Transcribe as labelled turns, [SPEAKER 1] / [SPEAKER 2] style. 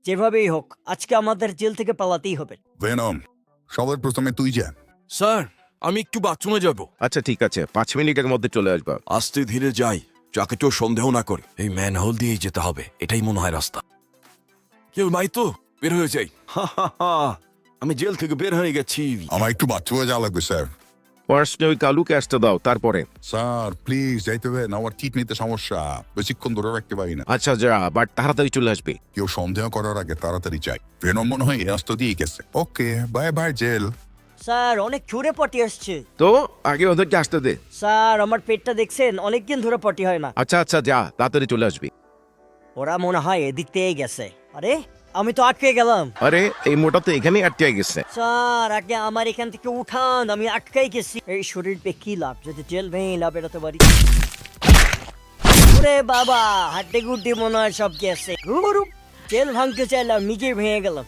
[SPEAKER 1] যেভাবেই হোক আজকে আমাদের জেল থেকে পালাতেই হবে।
[SPEAKER 2] ভেনম, সবার প্রথমে তুই যা।
[SPEAKER 3] স্যার, আমি একটু বাথরুমে যাব।
[SPEAKER 4] আচ্ছা ঠিক আছে, 5 মিনিটের মধ্যে চলে আসবা।
[SPEAKER 3] আস্তে ধীরে যাই, যাকে কেউ সন্দেহ না করে। এই ম্যানহোল দিয়েই যেতে হবে, এটাই মনে হয় রাস্তা। কেউ নাই তো? বের হয়ে যাই। আমি জেল থেকে বের হয়ে গেছি।
[SPEAKER 2] আমার একটু বাথরুমে যাওয়া লাগবে স্যার।
[SPEAKER 4] ফার্স্টে ওই কালু ক্যাশটা দাও, তারপরে।
[SPEAKER 2] স্যার প্লিজ যাইতে হবে না, আমার চিট নিতে সমস্যা, বেশিক্ষণ ধরে রাখতে পারি না।
[SPEAKER 4] আচ্ছা যা, বাট তাড়াতাড়ি চলে আসবে।
[SPEAKER 2] কেউ সন্দেহ করার আগে তাড়াতাড়ি চাই। ভেনম মনে হয় এই রাস্তা দিয়ে গেছে। ওকে, বাই বাই জেল।
[SPEAKER 1] স্যার অনেক জোরে পটি আসছে।
[SPEAKER 4] তো আগে ওদেরকে আসতে দে।
[SPEAKER 1] স্যার আমার পেটটা দেখছেন, অনেকদিন ধরে পটি হয় না।
[SPEAKER 4] আচ্ছা আচ্ছা যা, তাড়াতাড়ি চলে আসবি।
[SPEAKER 1] ওরা মনে হয় এদিক থেকেই গেছে। আরে আমি তো আটকে গেলাম।
[SPEAKER 4] আরে এই মোটা তো এখানেই আটকে গেছে।
[SPEAKER 1] স্যার আগে আমার এখান থেকে উঠান, আমি আটকাই গেছি। এই শরীর পে কি লাভ যদি জেল ভেঙে না বেরোতে পারি। ওরে বাবা, হাড্ডি গুড্ডি মনে হয় সব গেছে। জেল ভাঙতে চাইলাম, নিজে ভেঙে গেলাম।